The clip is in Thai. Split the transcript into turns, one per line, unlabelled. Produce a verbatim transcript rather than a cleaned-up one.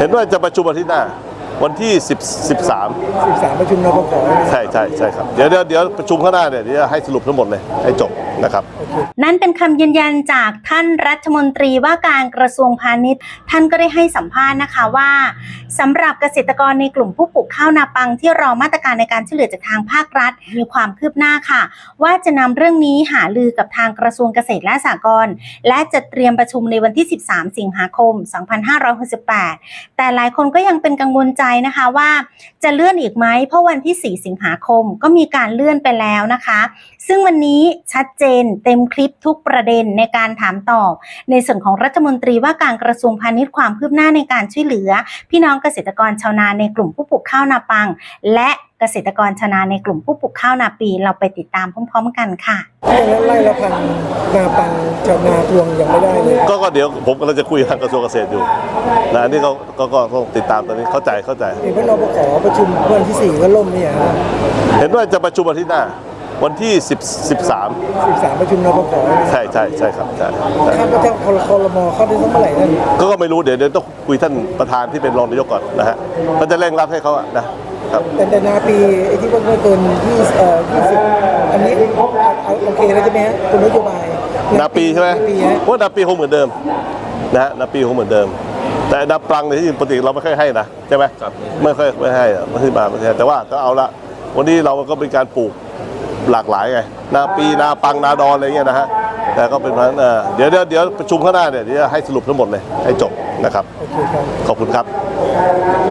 ห็นว่าจะประชุมอาทิตย์หน้าวันที่สิบ สิบสาม
สิบสามประชุมนปป.
ใช่ใช่ใช่ครับเดี๋ยวเดี๋ยวเดี๋ยวประชุมข้างหน้าเนี่ยเดี๋ยวให้สรุปทั้งหมดเลยให้จบนะครับ
นั่นเป็นคำยืนยันจากท่านรัฐมนตรีว่าการกระทรวงพาณิชย์ท่านก็ได้ให้สัมภาษณ์นะคะว่าสำหรับเกษตรกรในกลุ่มผู้ปลูกข้าวนาปังที่รอมาตรการในการช่วยเหลือจากทางภาครัฐมีความคืบหน้าค่ะว่าจะนำเรื่องนี้หารือกับทางกระทรวงเกษตรและสหกรณ์และจะเตรียมประชุมในวันที่สิบสามสิงหาคมสองพันห้าร้อยหกสิบแปดแต่หลายคนก็ยังเป็นกังวลใจนะคะว่าจะเลื่อนอีกไหมเพราะวันที่สี่สิงหาคมก็มีการเลื่อนไปแล้วนะคะซึ่งวันนี้ชัดเจนเต็มคลิปทุกประเด็นในการถามตอบในส่วนของรัฐมนตรีว่าการกระทรวงพาณิชย์ความคืบหน้าในการช่วยเหลือพี่น้องเกษตรกรชาวนาในกลุ่มผู้ปลูกข้าวนาปังและเกษตรกรชาวนาในกลุ่มผู้ปลูกข้าวนาปีเราไปติดตามพร้อมๆกันค่ะ
ไล่ละพันนาปังชาวนาทวงยังไม่ได้เลย
ก็ก็เดี๋ยวผมกำลังจะคุยทางกระทรวงเกษตรอยู่นะอันนี้เขาก็ก็ต้องติดตามตอนนี้เข้าใจเข้าใจ
เห็นว่านปป.ประชุมวันที่สี่ก็ล่มเนี่ย
เห็นว่าจะประชุมอาทิตย์หน้าวันที่สิบ สิบสาม
สิบสามประชุมนปป.
ใช่ใช่ใช่ครับใช่
คาดว่าจะคอรมอเข้าได้สักเมื่อไหร่นั่น
ก็ก็ไม่รู้เดี๋ยวเดี๋ยวต้องคุยท่านประธานที่เป็นรองนายกก่อนนะฮะก็จะเร่งรัดให้เขาอะนะครับ
แต่แต่นาปีไอ้ที่ว่าไม่เกินยี่สิบเอ่อยี่สิบอันนี้โอเคแล้วใช่ไหมฮะคุณนโยบาย
นาปีใช่ไหมว่านาปีคงเหมือนเดิมนะฮะนาปีคงเหมือนเดิมแต่นาปลังในที่ปกติเราไม่ค่อยให้นะใช่ไหมไม่ค่อยไม่ให้ไม่ให้มาไม่ให้แต่ว่าก็เอาละวันนี้เราก็เป็นการปลูกหลากหลายไงนาปีนาปังนาดอนอะไรเงี้ยนะฮะแต่ก็เป็นเพราะนั้นเดี๋ยวเดี๋ยวเดี๋ยวประชุมข้างหน้าเนี่ยเดี๋ยวให้สรุปทั้งหมดเลยให้จบนะครับขอบคุณครับ